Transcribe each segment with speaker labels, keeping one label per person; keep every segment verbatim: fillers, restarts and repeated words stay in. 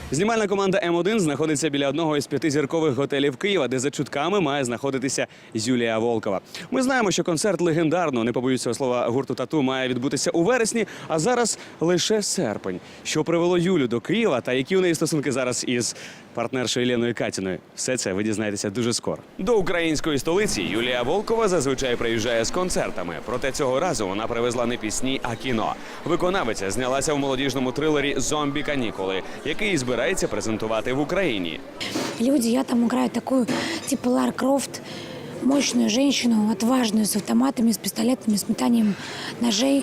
Speaker 1: Знімальна команда М один знаходиться біля одного із п'ятизіркових готелів Києва, де за чутками має знаходитися Юлія Волкова. Ми знаємо, що концерт легендарного, не побоюсь цього слова, гурту «Тату» має відбутися у вересні, а зараз лише серпень. Що привело Юлю до Києва та які у неї стосунки зараз із партнершою Єленою Катіною? Все це ви дізнаєтеся дуже скоро. До української столиці Юлія Волкова зазвичай приїжджає з концертами. Проте цього разу вона привезла не пісні, а кіно. Виконавиця знялася в молодіжному трилері «Зомбі-канікули», який збирається презентувати в Україні.
Speaker 2: Люди, я там играю такую, типа Лара Крофт, мощную женщину, отважную, с автоматами, с пистолетами, с метанием ножей.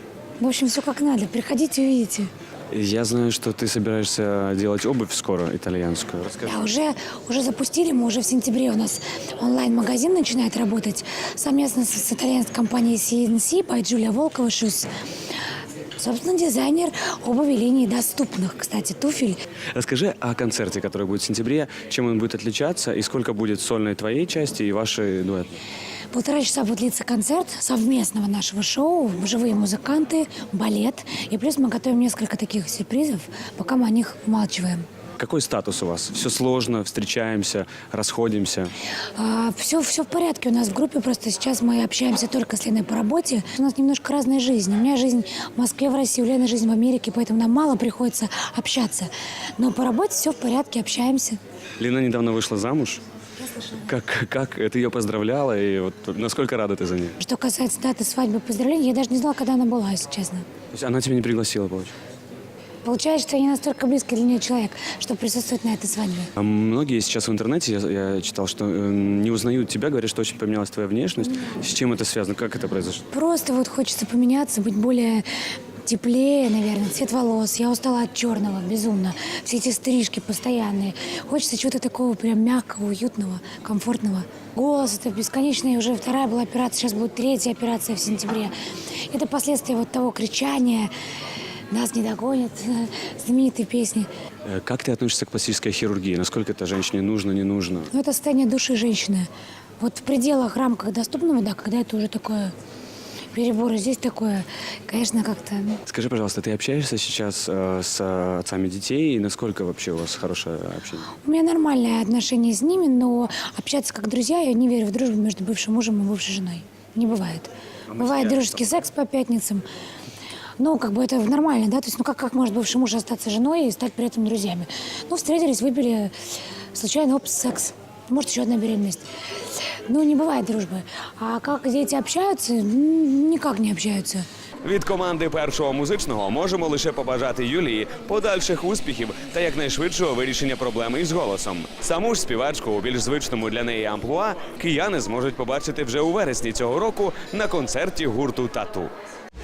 Speaker 2: В общем, все как надо. Приходите, увидите.
Speaker 1: Я знаю, что ты собираешься делать обувь скоро, итальянскую. Расскажи.
Speaker 2: Да, уже, уже запустили, мы уже в сентябре у нас онлайн-магазин начинает работать. Совместно с, с итальянской компанией си эн си by Julia Volkova Shoes. Собственно, дизайнер обуви линии доступных, кстати, туфель.
Speaker 1: Расскажи о концерте, который будет в сентябре, чем он будет отличаться и сколько будет сольной твоей части и вашей дуэт.
Speaker 2: Полтора часа будет длиться концерт совместного нашего шоу, живые музыканты, балет. И плюс мы готовим несколько таких сюрпризов, пока мы о них умалчиваем.
Speaker 1: Какой статус у вас? Все сложно, встречаемся, расходимся?
Speaker 2: А, все, все в порядке у нас в группе, просто сейчас мы общаемся только с Леной по работе. У нас немножко разная жизнь. У меня жизнь в Москве, в России, у Лены жизнь в Америке, поэтому нам мало приходится общаться. Но по работе все в порядке, общаемся.
Speaker 1: Лена недавно вышла замуж.
Speaker 2: Я слышала.
Speaker 1: Как, как ты ее поздравляла и вот насколько рада ты за нее?
Speaker 2: Что касается даты свадьбы, поздравления, я даже не знала, когда она была, если честно.
Speaker 1: То есть она тебя не пригласила, получается?
Speaker 2: Получается, что я не настолько близкий для нее человек, чтобы присутствовать на этой свадьбе.
Speaker 1: А многие сейчас в интернете, я, я читал, что э, не узнают тебя, говорят, что очень поменялась твоя внешность. С чем это связано? Как это произошло?
Speaker 2: Просто вот хочется поменяться, быть более теплее, наверное, цвет волос. Я устала от черного, безумно. Все эти стрижки постоянные. Хочется чего-то такого прям мягкого, уютного, комфортного. Голос, это бесконечная, уже вторая была операция, сейчас будет третья операция в сентябре. Это последствия вот того кричания «Нас не догонят», знаменитые песни.
Speaker 1: Э, Как ты относишься к пластической хирургии? Насколько это женщине нужно, не нужно?
Speaker 2: Но это состояние души женщины. Вот в пределах рамках доступного, да, когда это уже такое перебор, и здесь такое, конечно, как-то... ну,
Speaker 1: Скажи, пожалуйста, ты общаешься сейчас э, с отцами детей? И насколько вообще у вас хорошее общение?
Speaker 2: У меня нормальное отношение с ними, но общаться как друзья, я не верю в дружбу между бывшим мужем и бывшей женой. Не бывает. Бывает дружеский секс по пятницам. Ну, как бы это нормально, да? То есть, ну как, как может бывший муж остаться женой и стать при этом друзьями? Ну, встретились, выпили, случайно, опс, секс. Может, еще одна беременность. Ну, не бывает дружбы. А как дети общаются? М, Никак не общаются.
Speaker 1: Від команди Першого музичного можемо лише побажати Юлії подальших успіхів та якнайшвидшого вирішення проблеми із голосом. Саму ж співачку у більш звичному для неї амплуа кияни зможуть побачити вже у вересні цього року на концерті гурту «Тату».